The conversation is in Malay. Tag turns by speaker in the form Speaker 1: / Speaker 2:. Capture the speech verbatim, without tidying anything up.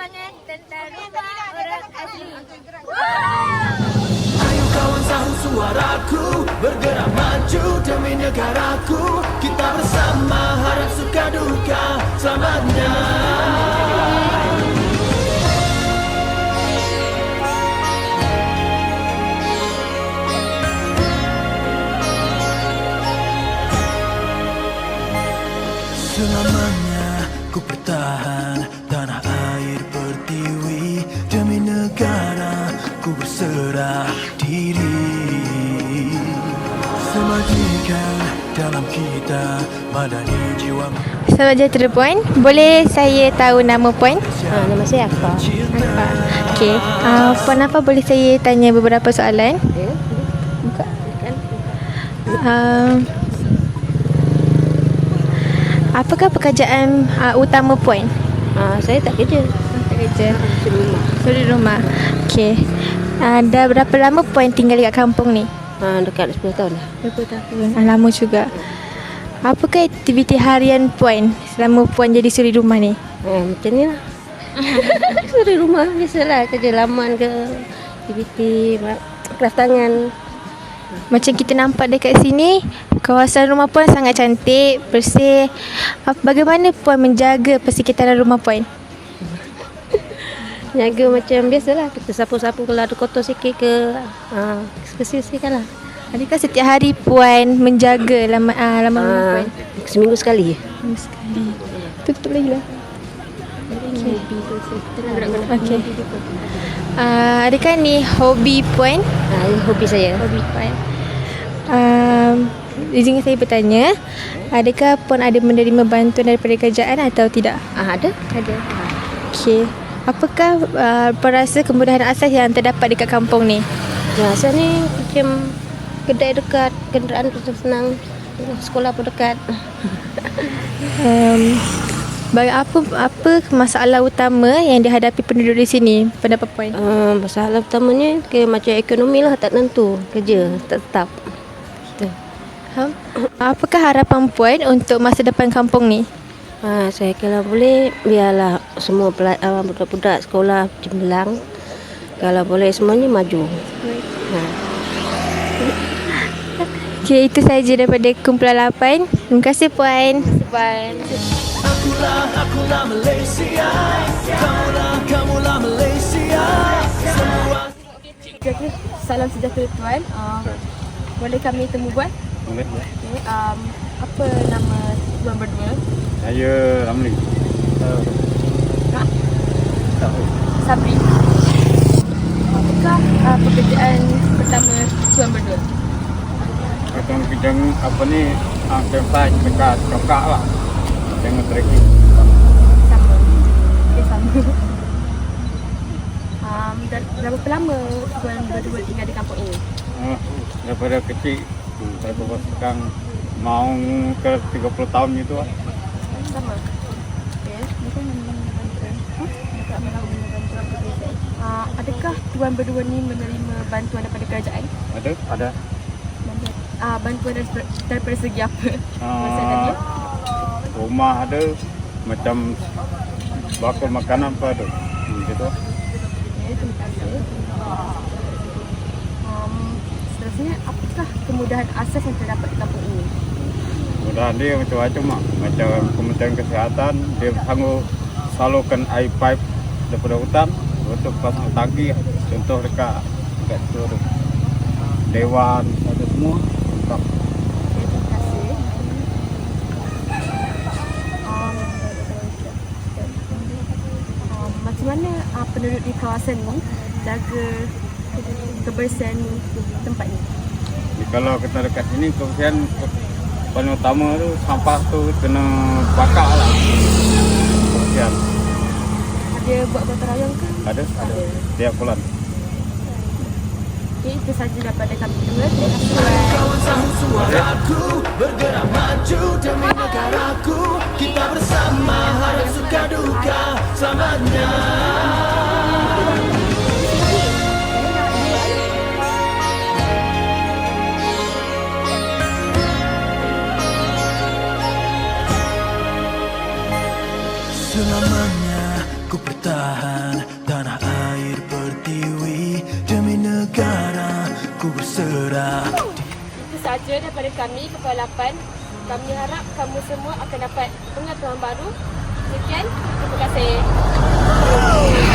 Speaker 1: semangat tentang rumah orang asli.
Speaker 2: Ayo kawan sahut suaraku, bergerak maju demi negaraku. Kita bersama harap suka duka selamanya. Selamanya ku bertahan tanah air pertiwi, demi negara ku berserah diri. Semajikan dalam kita madani jiwa.
Speaker 1: Selamat sejahtera Puan. Boleh saya tahu nama Puan?
Speaker 3: Ha, nama saya Akbar.
Speaker 1: Apa? Okey. Uh, Puan apa boleh saya tanya beberapa soalan?
Speaker 3: Ya, buka kan.
Speaker 1: Uh, apakah pekerjaan uh, utama Puan?
Speaker 3: Ha, saya tak kerja.
Speaker 1: Tak kerja.
Speaker 3: Di rumah.
Speaker 1: Suri rumah. Okey. Uh, dah berapa lama Puan tinggal dekat kampung ni?
Speaker 3: Ha, dekat sepuluh tahun dah.
Speaker 1: dua puluh tahun. Ah, lama juga. Apakah aktiviti harian Puan selama Puan jadi suri rumah ni?
Speaker 3: Ha, macam ni lah. Di rumah biasalah, kerja laman ke, aktiviti craft tangan.
Speaker 1: Macam kita nampak dekat sini, kawasan rumah Puan sangat cantik, bersih. Ap- Bagaimana Puan menjaga persekitaran rumah Puan?
Speaker 3: Jaga macam biasalah, kita sapu-sapu kalau ada kotor sikit ke, ha, bersih-bersihkan lah.
Speaker 1: Adakah setiap hari Puan menjaga laman, uh, laman rumah
Speaker 3: Ha,
Speaker 1: Puan?
Speaker 3: seminggu sekali.
Speaker 1: Seminggu sekali. Tutup lagi lah. Okey. Uh, adakah ni hobi Puan?
Speaker 3: Ha, ini hobi saya.
Speaker 1: Hobi Puan. Um, izinkan saya bertanya, adakah Puan ada menerima bantuan daripada kerajaan atau tidak?
Speaker 3: Ha, ada?
Speaker 1: Ada. Okey. Apakah uh, Puan rasa kemudahan asas yang terdapat dekat kampung ni?
Speaker 3: Ya, asal ni macam kedai dekat, kenderaan tu senang, sekolah pun dekat.
Speaker 1: Um, bagi apa apa masalah utama yang dihadapi penduduk di sini? Pendapat Puan?
Speaker 3: Uh, masalah utamanya ke macam ekonomi lah, tak tentu, kerja tak tetap. Gitu.
Speaker 1: Ha? Apakah harapan Puan untuk masa depan kampung ni?
Speaker 3: Ha, saya kalau boleh biarlah semua pela- uh, budak-budak sekolah cemerlang. Kalau boleh semuanya maju. Ha.
Speaker 1: Okey, itu saja daripada kumpulan lapan. Terima kasih Puan. Puan.
Speaker 2: Akulah, akulah Malaysia. Kamulah, kamulah Malaysia. Semua
Speaker 1: Jadi, salam sejahtera Tuan. Uh, boleh kami temu Puan?
Speaker 4: Boleh.
Speaker 1: Okay. Um, apa nama Tuan berdua?
Speaker 4: Saya Ramli.
Speaker 1: Ha?
Speaker 4: Tahu.
Speaker 1: Sabri. Apakah uh, pekerjaan pertama Tuan berdua?
Speaker 4: Kita bidang apa ni? Ah, tempat dekat cokak lah. Dengan trekking.
Speaker 1: Sama. Okay, sama. Um, dah berapa lama Tuan berdua tinggal di kampung ini?
Speaker 4: Ah, daripada kecil. Daripada sekarang mau ke tiga puluh tahun itu lah.
Speaker 1: Sama. Okay. Uh, adakah Tuan berdua ni menerima bantuan daripada kerajaan?
Speaker 4: Ada? Ada.
Speaker 1: Bantuan, uh, bantuan dari- daripada segi apa?
Speaker 4: Ah,
Speaker 1: Masa tadi?
Speaker 4: rumah ada. Macam bakul makanan pun ada. Hmm, gitu.
Speaker 1: Okay, terima kasih. Um, seterusnya, apakah kemudahan asas yang terdapat di kampung ini?
Speaker 4: Mudah dia macam-macam mak. Macam Kementerian Kesihatan dia sanggup salurkan air pipe daripada hutan untuk pasang tangki. Contoh dekat dekat situ tu. Dewan ada semua. Tak.
Speaker 1: Okay, terima kasih. Um, um, macam mana uh, penduduk di kawasan ni jaga kebersihan tempat ni?
Speaker 4: Jadi, kalau kita dekat sini kebersihan paling utama tu sampah tu kena bakar lah. Kebersihan.
Speaker 1: Ada buat gotong royong ke?
Speaker 4: Ada? Ada. Tiap bulan.
Speaker 1: Okay, itu saja daripada kami berdua. Terima kasih Tuan.
Speaker 2: kawan sahut suaraku, bergerak maju demi negaraku. Kita bersama harap suka duka selamanya. Selamanya ku percaya tahan tanah air pertiwi demi negara ku berserah.
Speaker 5: Itu sahaja daripada kami, Kepala lapan. Kami harap kamu semua akan dapat pengetahuan baru. Sekian, terima kasih.